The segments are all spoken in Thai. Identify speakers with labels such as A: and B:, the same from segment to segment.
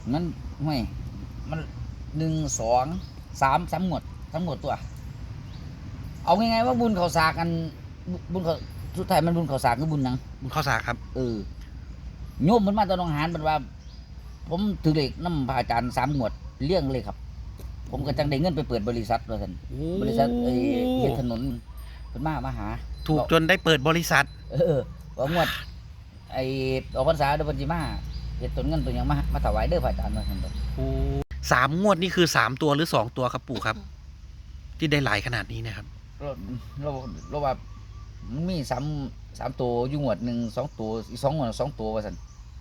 A: มันไม่มัน1 2 3หมวดทั้งหมดตัว เอาง่ายๆว่าบุญเขาสากกันบุญเขาสุดท้ายมันบุญเขาสากคือบุญหยัง
B: บุญข้าวสากครับ
A: โยมมันมาตอนหนองหานมันว่า ผมถือเลขน้ำพระอาจารย์3 หมวดเลี้ยงเลยครับ ผมก็จังได้เงินไปเปิดบริษัทว่าซั่นบริษัทเฮ็ดถนนเพิ่นมาหา
B: ถูกจนได้เปิดบริษัท
A: ว่างวดออกพรรษาเดือนพฤศจิกาเฮ็ดต้นเงินตัวหยังมาถวายเด้อพระอาจารย์ว่าซั่นบ่
B: 3 งวดนี่คือ3 ตัวหรือ2 ตัวครับปู่ครับ ที่ได้หลายขนาดนี้นะครับ
A: เราว่ามันมี3ตัวอยู่งวดหนึ่ง2 ตัวอีก2 งวด2 ตัวว่าซั่น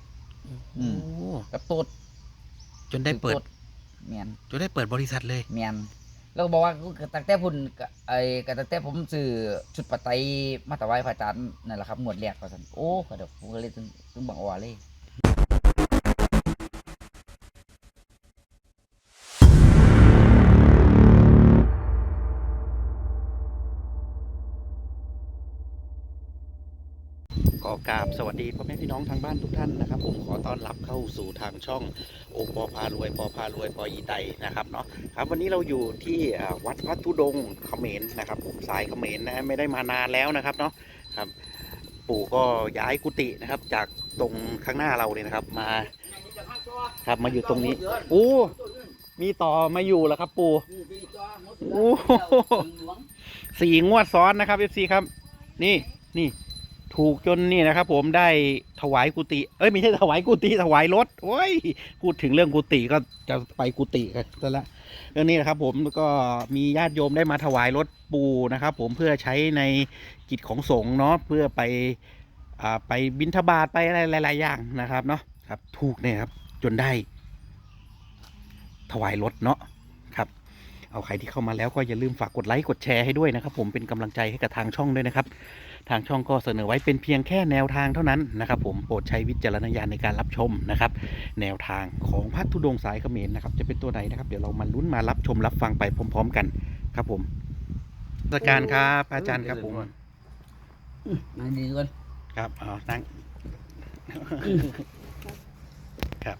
A: กับโตด
B: จนได้เปิด
A: แม่น
B: จนได้เปิดบริษัทเลย
A: แม่นแล้วก็บอกว่าตั้งแต่พุ่นก็ตั้งแต่ผมซื้อชุดปัจจัยมาถวายพระอาจารย์นั่นแหละครับงวดแรกว่าซั่นโอ้ก็เดี๋ยวผมก็เลยถึงบังอ้อเลย
B: ก็กราบสวัสดีพ่อแม่พี่น้องทางบ้านทุกท่านนะครับ ผมขอต้อนรับเข้าสู่ทางช่องโอปอพารวยปอพารวยปออีไตนะครับเนาะครับวันนี้เราอยู่ที่วัดพระธุดงค์เขมรนะครับผมสายเขมรนะฮะไม่ได้มานานแล้วนะครับเนาะครับปู่ก็ย้ายกุฏินะครับจากตรงข้างหน้าเราเลยนะครับมาครับมาอยู่ตรงนี้โอ้มีต่อมาอยู่แล้วครับปู่โอ้4 งวดซ้อนนะครับ FC ครับนี่ถูกจนนี่นะครับผมได้ถวายกุฏิไม่ใช่ถวายกุฏิถวายรถโอ้ยพูดถึงเรื่องกุฏิก็จะไปกุฏิกันซะแล้วเรื่องนี้นะครับผมก็มีญาติโยมได้มาถวายรถปูนะครับผมเพื่อใช้ในกิจของสงฆ์เนาะเพื่อไปบิณฑบาตไปอะไรหลายๆอย่างนะครับเนาะครับถูกเนี่ยครับจนได้ถวายรถเนาะครับเอาใครที่เข้ามาแล้วก็อย่าลืมฝากกดไลค์กดแชร์ให้ด้วยนะครับผมเป็นกำลังใจให้กับทางช่องด้วยนะครับทางช่องก็เสนอไว้เป็นเพียงแค่แนวทางเท่านั้นนะครับผมโปรดใช้วิจารณญาณในการรับชมนะครับแนวทางของพระธุดงค์สายเขมรนะครับจะเป็นตัวไหนนะครับเดี๋ยวเรามาลุ้นมารับชมรับฟังไปพร้อมๆกันครับผมราชการครับอาจารย์ครับผม
A: นั่งดีก่อน
B: ครับนั่งครับ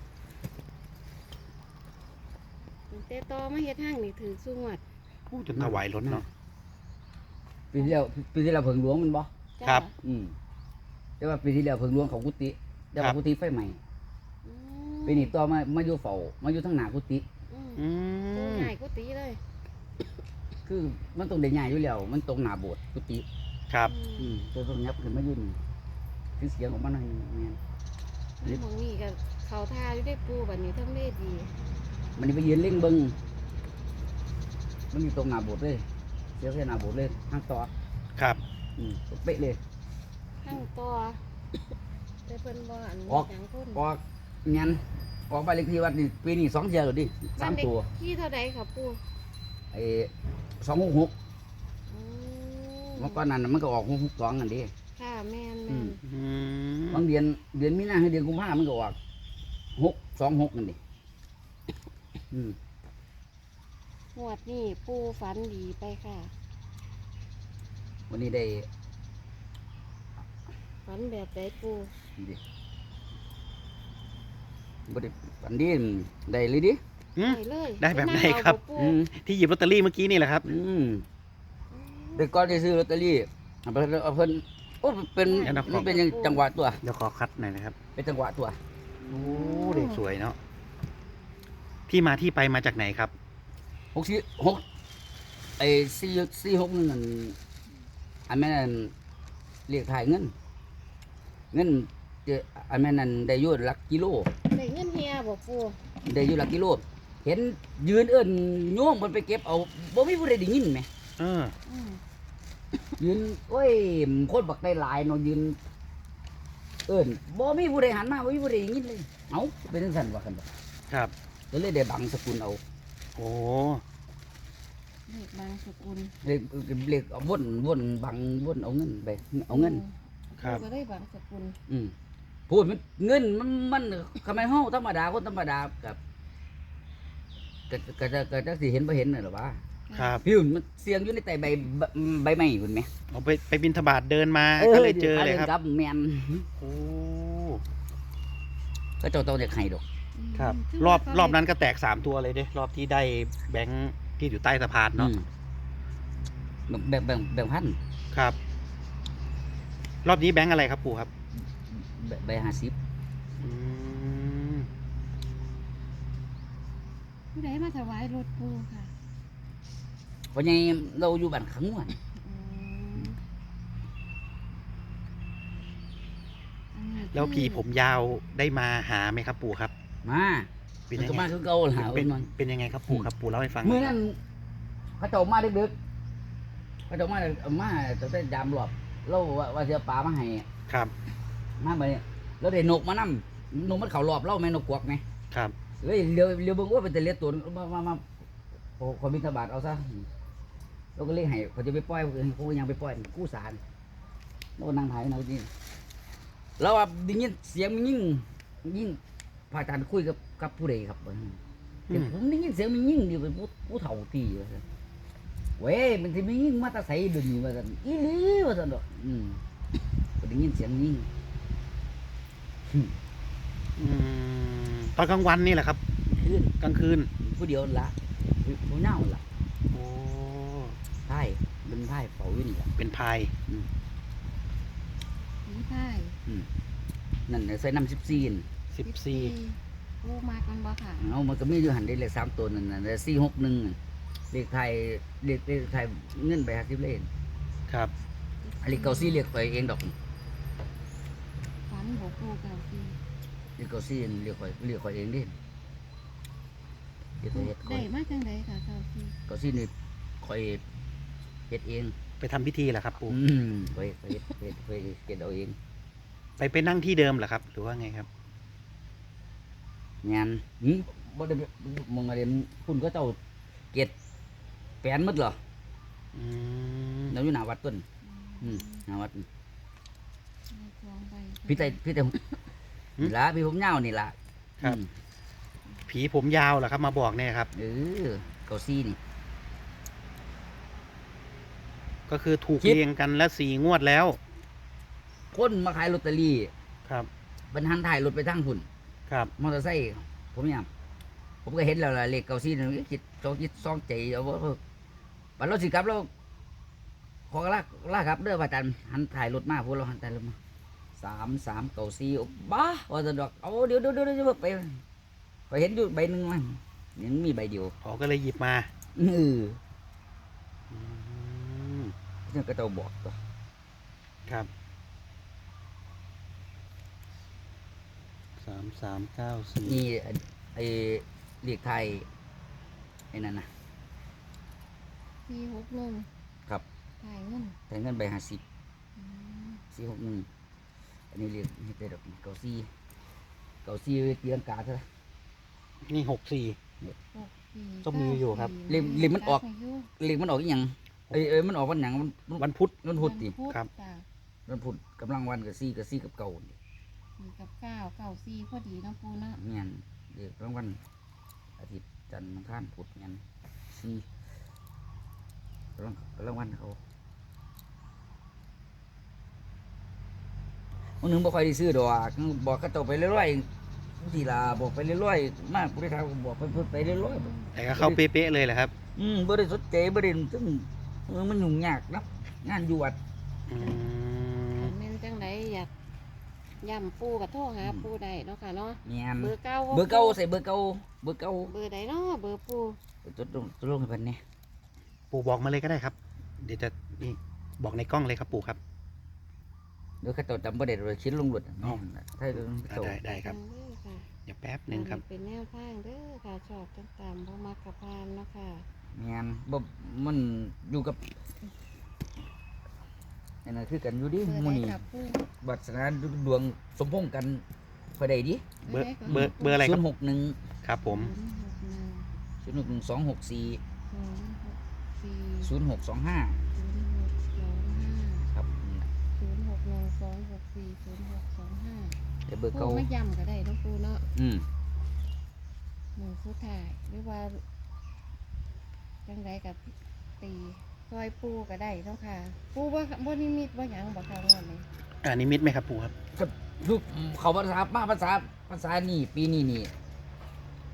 C: แต่ต่อมาเฮ็ดห้างนี่ถือสุงวด
B: พูดจนถวายรถเนาะ
A: ปีที่แล้วเพิ่งหลวงมันบ่
C: จ้า
B: ครับ
A: แต่ว่าปีที่แล้วเพิ่งหลวงเขากุฏิแต่ว่ากุฏิไฟใหม่
C: อืม
A: ปีนี้ต่อมาอยู่เฝ้ามาอยู่ทางหน้ากุฏิ
C: อืม
B: อื
C: ตัว
B: ม
C: ใหญ่กุฏิเลย
A: คือมันต้องได้ใหญ่อยู่แล้วมันตรงหน้าโบสถ์กุฏิ
B: ครับ
A: ตัวต้องยับขึ้นมาอยู่นี่คือเสียงของมันนั่นแม่น
C: อืมหมองนี่ก็เขาท่าอยู่ได้ปูบัดนี้ทำได้ดี
A: มันนี่ไปยืนเล่งเบิ่งมันอยู่ตรงหน้าโบสถ์เลยเสียงแค่หน้าโบสถ์เลยทางต่อ
B: ครับ
A: เป๊ะเลย
C: ทั้งต่อแต่เพิ่นบ่อัน
A: ออก
C: หยังคน
A: ออกงั้นออกไปเลขที่วัดนี่ปีนี้2 เที่ยวแล้วดิ3 ตัว
C: ที่เท่าใดครับปู
A: ไอ้266
C: อืม
A: เมื่อก่อนนั้นมันก็ออก662นั่นดิ
C: ค่ะแม่น
A: อื
C: แม่
A: ม
C: น
B: อืม
A: บางเดือนมีนาให้เดือนกุมภาพันธ์มันก็ออก626นั่นดิ
C: งวดนี้ปูฝันดีไปค่ะ
A: วันนี้ได้
C: ฝันแบบใดปู
A: ดิบ่ได้ฝันดีได้เลยดิ
B: อืม
C: ได้เลย
B: ได้แบบไหน
C: ปงเอา
B: ครับ
C: ปู
A: อืม
B: ที่หยิบลอตเตอรี่เมื่อกี้นี่แหละครับ
A: ได้ก่อนได้ซื้อลอตเตอรี่เอาเพิ่นโอ้เป็น
B: เดี๋ยวนะ
A: มันเป็นจังหวะตัว
B: เดี๋ยวขอคัดหน่อยนะครับ
A: เป็นจังหวะตัว
B: โอ้เด็กสวยเนาะที่มาที่ไปมาจากไหนครับ
A: 6ไอ้446นั่นอันแม่นเรียกถ่ายเงินอันแม่นั้นได้อยู่หลักกิโล
C: ได้เงินเฮียบ่ปู
A: ได้อยู่หลักกิโลเห็นยืนเอิ้นโยมเพิ่นไปเก็บเอาบ่มีผู้ใดได้ยินแหม
B: เออ
C: อืม
A: ยืนโอ้ยคนบักได้หลายเนาะยืนเอิ้นบ่มีผู้ใดหันมาบ่มีผู้ใดได้ยินเลยเอ้าเป็นจังซั่นว่าคั่นบ่
B: ครับ
A: ก็เลยได้บังสกุลเอา
B: โอ้
C: เลขบางสกุล
A: เรียกเอาวนบังวนเอาเงินไปเอาเงิน
B: ครับ
C: ก็ได้บางสกุล
A: พูดมันเงินมันทำไมเฮาธรรมดาคนธรรมดากับก็จะสิเห็นบ่เห็นน่ะหรอวะ
B: ครับ
A: พี่มันเสียงอยู่ในใต้ใบไม้พุ่นแหม
B: เอาไปบินทบาทเดินมาก็เลยเจอเลยครับ
A: แม่น
B: โอ้
A: ก็เจ้าต้องเด็กให้ดอก
B: ครับ
C: คือ
B: รอบ
C: ว่าเขา
B: รอบนั้นก็แตก3 ตัวเลยเด้รอบที่ได้แบงค์ที่อยู่ใต้สะพานเนาะ
A: แบ่งพัน
B: ครับ รอบนี้แบงค์อะไรครับปู่ครับ
A: ใบ50
B: อืม
C: ผู้ใดมาถวายรถปูค่ะ
A: เพราะไงเราอยู่บ้านขังม่วน
C: อืมอันนี้
B: แล้วผี
C: คือ
B: ผมยาวได้มาหาไหมครับปู่ครับ
A: มา
B: เป็น
A: มัน
B: ยัง
A: ก็
B: ไง
A: มาคือเก่าล่ะ
B: เป็น
A: มัน
B: เป็นยังไงครับปู่ครับปู่เล่าให้ฟังห
A: มื้อ
B: น่อย
A: นั้นเขาเจ้ามาดึกๆเขาเจ้ามาตั้งแต่ยามรอบเราว่าสิเอาปลามาให้
B: ครับ
A: มาบัดนี้แล้วได้นกมานำนกมันเข้ารอบเราแม่นกกวักแม่
B: ครับ
A: เลยเลี้ยวเบิ่งว่าเป็นแต่เล็ดตัวมาโอ้ขอบิณฑบาตเอาซะเราก็เลยให้เขาจะไปปล่อยเขาก็ยังไปปล่อยกู้สารเราก็นั่งถ่ายกันเอาจริงแล้วว่าได้ยินเสียงมันยิ่งพระอาจารย์คุยกับผู้ใดครับเดี๋ยวผมได้ยินเสียงมันยิ่งอยู่เป็นผู้เฒ่าตีว่าซั่นเว้ยมันสิมียิ่งมาแตาใสดึงว่าซั่นอีหลีว่าซั่นดอกก็ได้ยินเสียงยิ่ง
B: ตอนกลางวันนี่แหละครับ
A: ขึ้น
B: กลางคืน
A: ผู้เดียวนั่นละผู้เน่านั่นละ
B: โอ้
A: ไพ่เป็นไพ่เฝ้าอยู่นี่แหละ
B: เป็นพาย
C: ผีพ่าย
A: นั่นน่ะใส่น้ำ14น่ะ
B: 14
C: ปูมากันบ่ค่ะ
A: เอามันก็มีอยู่หันได้เลข3ตัวนั่นน่ะ461น่ะเลขไทยเลขไทยเงินไป50เลข
B: ครับ
A: อันเลขเก่า4เลขข่อยเองดอก
C: ฝันบ่ปูเก่าปี
A: เลขเก่า4เลขข่อยเองเด้เฮ็ดข่
C: ได้
A: อย
C: มาจังไดค่ะเก่าปี
A: เก่า4นี่ข่อยเฮ็ดเอง
B: ไปทำพิธีเหรอครับปู่
A: ข่อยเฮ็ดเอาเอง
B: ไปนั่งที่เดิมเหรอครับ หรือว่าไงครับ
A: งานบ่ได้มองอะไรคุณก็เจ้าเกตแปลนหมดเหรอ
B: อืม
A: เราอยู่หน้าวัดต้นหน้าวัด
C: มีทองใบ
A: พี่แต่นี่ละพี่ผมยาวนี่ละ
B: ครับ ผีผมยาวเหรอครับ มาบอกเนี่ยครับ
A: เกาซี่นี่
B: ก็คือถูก
A: คิด
B: เรียงกันและ4 งวดแล้ว
A: คนมาขายลอตเตอรี่
B: ครับ
A: บรรทันถ่ายรถไปทางหุ่น
B: ครับ
A: มอเตอร์ไซค์ผมยามผมก็เห็นแล้วล่ะเลขเกาซี่นี่คิดซองใจเอาว่าบัดเราสิกลับเราขอลาครับเด้อว่าอาจารย์หันถ่ายรถมาพวกเราหันถ่ายรถมา3 เกาซี่บ้าว่าจะดอกเอาเดี๋ยวไปเห็นอยู่ใบหนึ่งมันยังมีใบเดียว
B: อ๋อก็เลยหยิบมา
A: อืม
B: อืม
A: นี่ก็เจ้าบอกตัว
B: ครับ3394
A: นี่ไอ้เรียกไทยไอ้นั่นนะ
C: ปี61
A: ครับ
C: ถ่ายเงิน
A: แต่เงินใบ50
C: อืม
A: 461อันนี้เรียกนี่เป็นดอกเกาซี่เตียงกาเท่าไหร่
B: นี่64
C: 6ปี
B: ต้องมีอยู่ครับ
A: เล่มมันออก เรียกมันออกอีหยังมันออกวันหยังมัน
B: วันพุธ
A: มันพุธติ
B: ครับ
C: จ้ะ
A: มันพุธกำลังวันกับซี่กับเก่านี่
C: 4กับ9 9 4พอดีเนาะปูเนาะ
A: เงี้ยเรียกกำลังวันอาทิตย์จันทร์อังคารพุธเงี้ยซี่กำลังวันเขาวันหนึ่งบ่ค่อยได้ซื้อดอกบอกเขาเจ้าไปเรื่อยๆทีละบอกไปเรื่อยๆมากผู้ใดทำบอกไปเรื่อยๆ
B: แต่ก็เข้าเป๊ะๆเลยแหละครับ
A: บ่ได้สนใจบ่ได้ซึ่งมันยุ่งยากนะงานอยู่วัด
B: อืม
C: แม่นจังไดอยากย่ำปูกับโทรหาปูได้เนาะค่ะเนาะ
A: แม่น
C: เบอร์เก้า
A: เบอร์เก่าใส่เบอร์เก่า
C: เบอร์ใดเนาะเบอร์ปู
A: จดลงให้เพิ่นนี่
B: ปู่บอกมาเลยก็ได้ครับ เดี๋ยวจะนี่บอกในกล้องเลยครับปู่ครับ
A: เดี๋ยวเขาเจ้าจำบ่ได้เลยเขียนลงรถถ้า
B: ได้ครับ
C: เด้อค่ะ
B: เดี๋ยวแป๊บหนึ่งครับ
C: เป็นแนวทางเด้อค่ะชอบต่างๆบ่มักกับพานเนาะค่ะ
A: แม่นบ่มันอยู่กับอันนั้นคือกันอยู่ดิ
C: เบอร์
A: หมื้
C: ใด
A: นี้
C: กับปู
A: วาสนาดวงสมพงษ์กันพอได้ดิ
B: เบอร์เบอร์อะไรครับ
A: 061
B: ครับผม
A: 061 264
C: 264
A: 0625
C: 0625
A: ครับ
C: 0612640625
A: แต่เบอร์
C: ปู
A: เก่า
C: ไม่ย่ำก็ได้เนาะปูเนาะ
A: อืม
C: หมู่สุดท้ายหรือว่าจังไดกับตีซอยปูก็ได้เนาะค่ะ ปูบ่นิมิตบ่หยังบ่ค่ะงอนนี้
B: นิมิตไหมครับปู่ครับ
A: ก็ลูกเขาภาษานี่ปีนี้นี่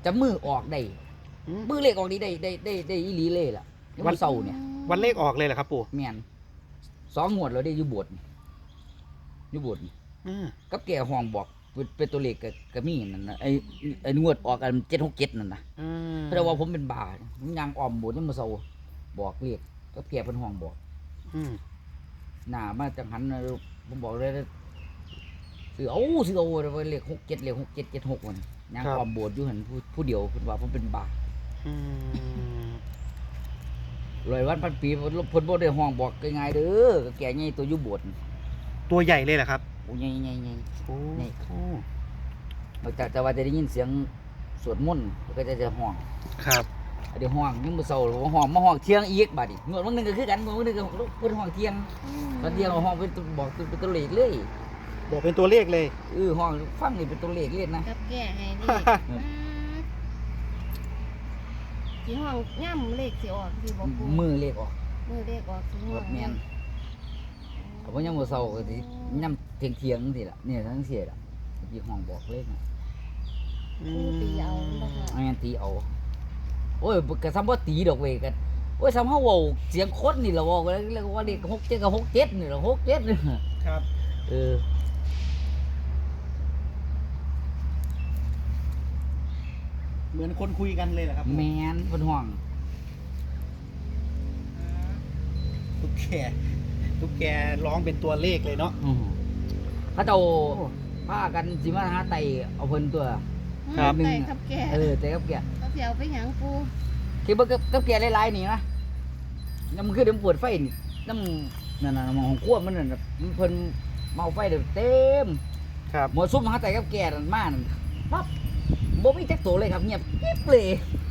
A: จะมือออกได้
B: อืม
A: มือเลขออกนี้ได้อีหลีเลยล่ะวันเสาร์เนี่ย
B: วันเลขออกเลยเหรอครับปู่
A: แม่น2 งวดแล้วได้อยู่โบสถ์อยู่โบสถ์
B: อืม
A: กับแก่ห้องบอกเป็นตัวเลขก็มีนั่นนะไอ้งวดออกกัน767นั่นนะ
B: อืม
A: เพราะว่าผมเป็นบาผมยางอ้อมโบสถ์ยังมาเซาบอกเลขกับแก่เพิ่นห้องบอก
B: อืม
A: หน้ามาจังหันนะผมบอกเลยซื้อเอาเลข67เลข6776มันยางอ้อมโบสถ์อยู่หั่นผู้เดียวเพิ่นว่าผมเป็นบา
B: อืม
A: 100 วันพันปีเพิ่นบ่ได้ห้องบอกง่ายๆเด้อก็แก่ใหญ่ตัวอยู่โบสถ์
B: ตัวใหญ่เลยเหรอครับ
A: โอ้ใหญ่ๆ
B: โอ้
A: นี่
B: โอ้
A: แต่ว่าจะได้ยินเสียงสวดมนต์ก็จะห้อง
B: ครับ
A: เดี๋ยวห้องยังบ่เศร้าห้องมาห้องเที่ยงอีกบัดนี้งวดวันหนึงก็คือกันงวดวันหนึงก็เพิ่นห้องเที่ยงตอนเที่ยงห้องเป็นบอกเป็นตัวเลขเลย
B: บอกเป็นตัวเลขเลย
A: ห้องฟังนี่เป็นตัวเลขเลยนะ
C: กับแก่ให้เลขสิห้องย่ำเลขสิออกสิบ่ปู
A: มือเลขออก
C: มือเลขออกสิห้
A: ร
C: อง
A: ถแม่นก็บ่ยังบ่เศร้าก็สิย่ำเที่ยงๆจังซี่ล่ะเนี่ยทั้งเสียล่ะที่ห้องบอกเลขน่ะ
C: ปูตีเอาบ่ค่ะ
A: แม่นตีเอาโอ้ยก็ซ้ำบ่ตีดอกเว้ยก็โอ้ยซ้ำเฮาเว้าเสียงคนนี่ล่ะเว้าแล้วก็ว่าเลข67ก็67นี่ล่ะ67นี่
B: ครับ เหมือนคนคุยกันเลยเหรอครับ
A: แมนเพิ่นห้อง
B: ตุ๊กแกร้องเป็นตัวเลขเลยเนาะ
A: เขาเจ้าพากันสิมาหาไตเอาเพิ่นตัว
B: ครับ
C: ไก่กับแก่
A: แต่กับแก
C: เขาสิเอาไปหยังปู
A: ที่เบิ่งกับแกหลายๆนี่นะน้ำคือเดี๋ยวมันเปิดไฟนี่น้ำนั่นน่ะหม้อของครัวมันนั่นน่ะมันเพิ่นเมาไฟเดี๋ยวเต็ม
B: ครับ
A: หมดซุ่มหาไตกับแกนั่นมานั่นปั๊บบ่มีจักตัวเลยครับเงียบกิ๊บเลย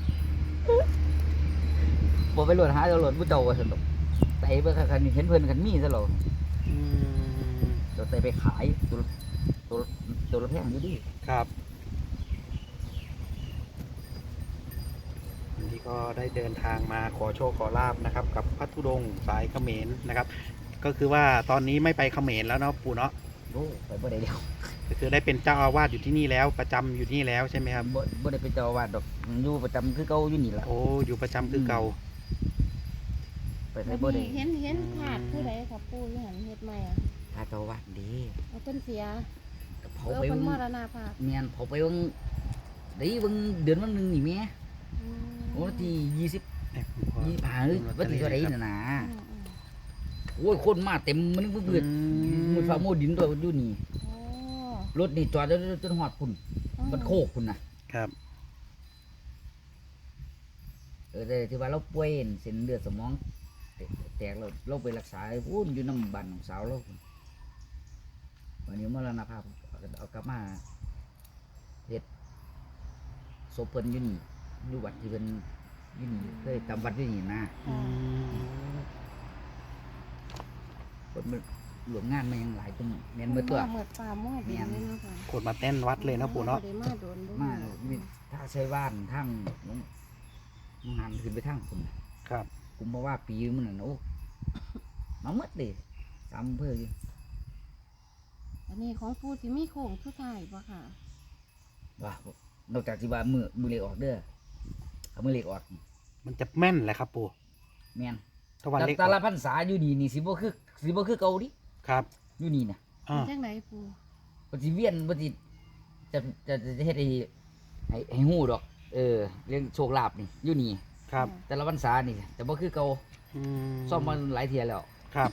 A: บ่ไปโหลดหาเอาโหลดผู้เจ้าว่าซั่นดอกไตเบิ่งคันเห็นเพิ่นคันมีซะแล้ว
B: อืม
A: เราไตไปขายตัวละแพงอยู่ดิ
B: ครับวันนี้ก็ได้เดินทางมาขอโชคขอลาบนะครับ กับพระธุดงค์สายเขมรนะครับ ก็คือว่าตอนนี้ไม่ไปเขมรแล้วเนาะปู่เนาะ
A: โอ้ไปบ่ได้เดียว
B: ก็คือได้เป็นเจ้าอาวาสอยู่ที่นี่แล้วประจำอยู่ที่นี่แล้วใช่ไหมครับ
A: บ่ได้เป็นเจ้าอาวาสดอกอยู่ประจำคือเก่าอยู่นี่ล่ะ
B: โอ้อยู่ประจำคือเก่า
A: ไปไสบ่ได้
C: เห็นขาดผู้ใดครับปูอยู่หันเฮ็ดใหม่อ่ะ
A: ถ้าเจ้าอาวาสดี
C: เอาเพิ่นเสีย
A: ก็เผา
C: เออ
A: ไป
C: เพิ่น
A: เบิ่ง
C: มรณภาพ
A: เมียนเผาไปเบิ่งได้เบิ่งเดือนวันหนึงนี่แม่
C: อืม
A: วันที่20
B: เนี่ยผมขอ
A: 25หรือวันที่เท่าใดน่ะนะ
C: อืม
A: โอ้ยคนมาเต็มมันนึกว่าเกิดมันฟ้าโมดินตัวอยู่นี่
C: โอ้
A: รถนี่จอดจนฮอดพุ่นมันโคกพุ่นน่ะ
B: ครับ
A: แต่ที่ว่าเราป่วยเส้นเลือดสมองแตกเราไปรักษาพุ่นอยู่น้ำบ้านของสาวเราพุ่นวันนี้มรณภาพเอากลับมาเฮ็ดศพเพิ่นอยู่นี่อยู่วัดที่เพิ่นอยู่นี่เคยจำวัดอยู่นี่นะ
B: อืม
A: คนมันหลวงงานมายังหลายจังแม่นเมื่อตัว
C: เหมือนป่าหม้อดินเลยเนาะค่ะ
B: คนมาเต้นวัดเลยนะปู่เนาะ
C: บ่ได้มาโดนบ่
A: มามีถ้าใช้ว่านทั้งน้องหันขึ้นไปทั้งคนน่ะ
B: ครับ
A: กุมภาวะปีมันน่ะโอ้มาหมดเลยตามอำเภออยู่
C: อันนี้ของปูสิมีโค้งสุดท้ายบ่ค่ะ
A: ว่านอกจากที่ว่ามือเล็กออกเด้อเอามือเล็กออก
B: มันจะแม่นแหละครับปู่
A: แม่น
B: ถ้าวันเลข
A: แต่ละพรรษาอยู่นี่นี่สิบ่คือเก่าดิ
B: ครับ
A: อยู่นี่น่ะ
B: อ่า
C: เป็นจังไดปู
A: บ่สิเวียนบ่สิจะเฮ็ดให้ฮู้ดอก เรื่องโชคลาภนี่อยู่นี่
B: ครับ
A: แต่ละพรรษานี่แต่บ่คือเก่า
B: อืม
A: ซ่อมมาหลายเที่ยแล้ว
B: ครับ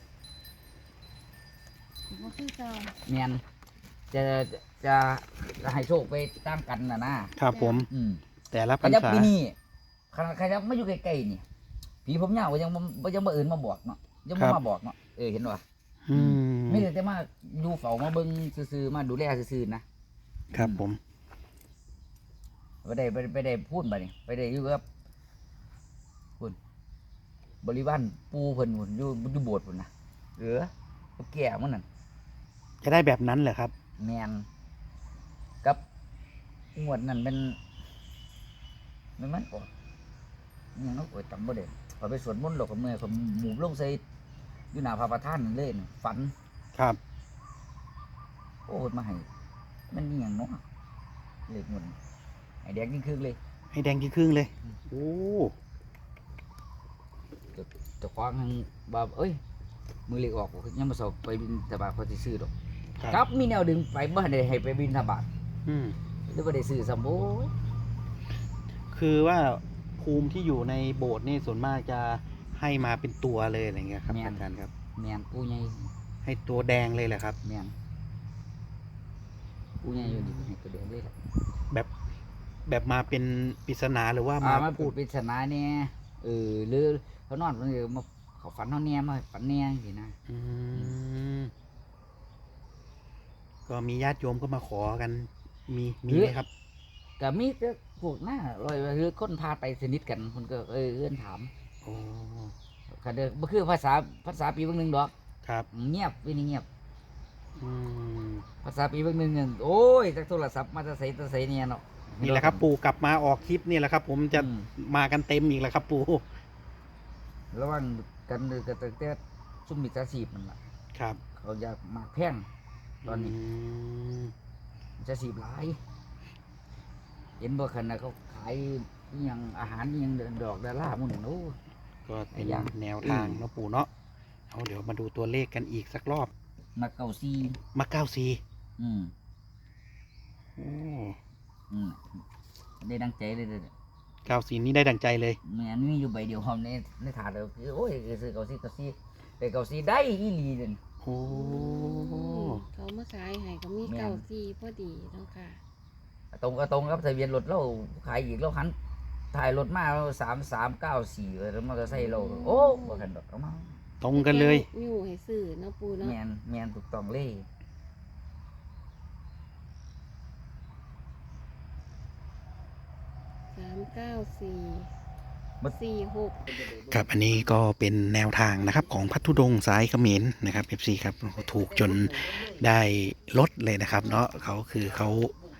C: บ่คือเก่า
A: แม่นจะให้โชคไปตามกันนะครับ
B: ผม
A: อืม
B: แต่ละพ
A: ข
B: รร
A: ยับ
B: ษา
A: ปีนี้ขนาดขยับมาอยู่ใกล้ๆนี่ผีผมยาวก็ยังมาเอิ้นมาบอกเนาะยังบ่มาบอกเนาะเห็นบ่
B: อืม
A: ไม่ได้แต่มาดูเฝ้ามาเบิ่งซื่อๆมาดูแลซื่อๆนะครับ
B: ผม
A: ไปได้พูดบัดนี้ไปได้อยู่กับพุ่นบริวารปู่เพิ่นพุ่นอยู่โบสถ์พุ่นนะเหลือกับแก่มันนั่น
B: จะได้แบบนั้นเหรอครับ
A: แมนกับงวดนั่นเป็นมันออกยังเอาจำบ่ได้พอไปสวดมนต์หรอกกับเมื่อยผมหมู่ลงใส่อยู่หน้าพระประธานนั่นเลยน่ะฝัน
B: ครับ
A: โอ้ยมาให้มันนี่ยังเนาะเลขงวดนี้ให้แดงยิ่งครึ่งเลย
B: ให้แดงกี่ครึ่งเลย โอ้
A: จะคว้างทางบ่าเอ้ยมือเล็กออกยังมาสอบไปบินทบาทเขาสิซื้อดอกครับมีแนวดึงไปบ่ได้ให้ไปบินทบาท
B: อืม
A: หรือบ่ได้ซื้อซ้ำโอ้ย
B: คือว่าภูมิที่อยู่ในโบสถ์นี่ส่วนมากจะให้มาเป็นตัวเลยอะไรเงี้ยครับอาจารย์ครับ
A: แม่นปูใหญ่
B: ให้ตัวแดงเลยแหละครับ
A: แม่นปูใหญ่อยู่นี่ให้ตัวแดงเลยล่ะ
B: แบบมาเป็นปริศนาหรือว่ามา
A: มา
B: พู
A: พู
B: ด
A: ดปริศนาเนี่ยหรือเขานอนมันมาเขาฝันเขาเนี่ยมาฝันเนี่ยสินะ
B: อืมก็มีญาติโยมก็มาขอกัน มีไหมครับ
A: ก็มีแต่พวกหน้าลอยหรือคนพาไปสนิทกันคนก็เอื้อนถาม
B: โอ้
A: ก็เด้อบ่คือภาษาปีเบางหนึงดอก
B: ครับ
A: เงียบวินี่เงียบ
B: อืม
A: ภาษาปีเบางหนึงเนี่ยโอ้ยจากโทรศัพท์มาจะใส่เนี่ยเนาะ
B: นี่แหละครับ ปู่กลับมาออกคลิปนี่แหละครับ ผมจะ
A: อืม
B: มากันเต็มอีกแล้วครับ ปู่
A: ระวังกันเลยก็ตั้งแต่ซุ่มมิจฉาชีพมันล่ะ
B: ครับ
A: เขาอยากมาแพงตอนนี้
B: ม
A: มิจฉาชีพหลายเห็นบ่คันน่ะเขาขายอิหยังอาหารอิหยังดอกดาราหมุ่นโอ้
B: ก็เป็น
A: อย่าง
B: แนวทางเนาะปู่เนาะเอาเดี๋ยวมาดูตัวเลขกันอีกสักรอบ
A: มาเก่าซี
B: มา94
A: อืม
B: โอ้
A: อืมได้ดังใจเลยเด้อ
B: 94นี่ได้ดังใจเลย
A: แม่นมีอยู่ใบเดียวหอมในถาดเลยคือโอ้ยซื้อเก่าซีแต่เก่าซีได้อีหลีเด่น
B: โอ้
C: เขามาขายให้ก็มี
A: แม่น
C: เก่าซีพอดีเนาะค่ะ
A: ตรงครับทะเบียนรถเราขายอีกเราหันถ่ายรถมาเรา3394แล้วมอเตอร์ไซค์เราโอ้บ่คันดอกเอามา
B: ตรงกันเลย
C: อยู่ให้ซื้อเนาะปูเนาะ
A: แม่นถูกต้องเลย
C: 39446
B: ครับอันนี้ก็เป็นแนวทางนะครับของพัทธุดงค์สายเขมรนะครับ FC ครับถูกจนได้ลดเลยนะครับ เนาะเขา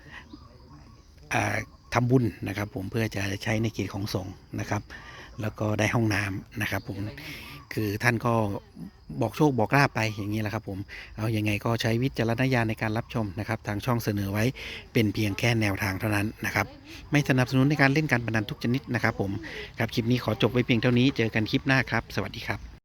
B: ทำบุญนะครับ ผมเพื่อจะใช้ในกิจของสงฆ์นะครับ แล้วก็ได้ห้องน้ำนะครับ ผมคือท่านก็บอกโชคบอกลาภไปอย่างนี้แหละครับ ผมเอายังไงก็ใช้วิจารณญาณในการรับชมนะครับ ทางช่องเสนอไว้เป็นเพียงแค่แนวทางเท่านั้นนะครับ ไม่สนับสนุนในการเล่นการพนันทุกชนิดนะครับ ผมครับคลิปนี้ขอจบไว้เพียงเท่านี้เจอกันคลิปหน้าครับ สวัสดีครับ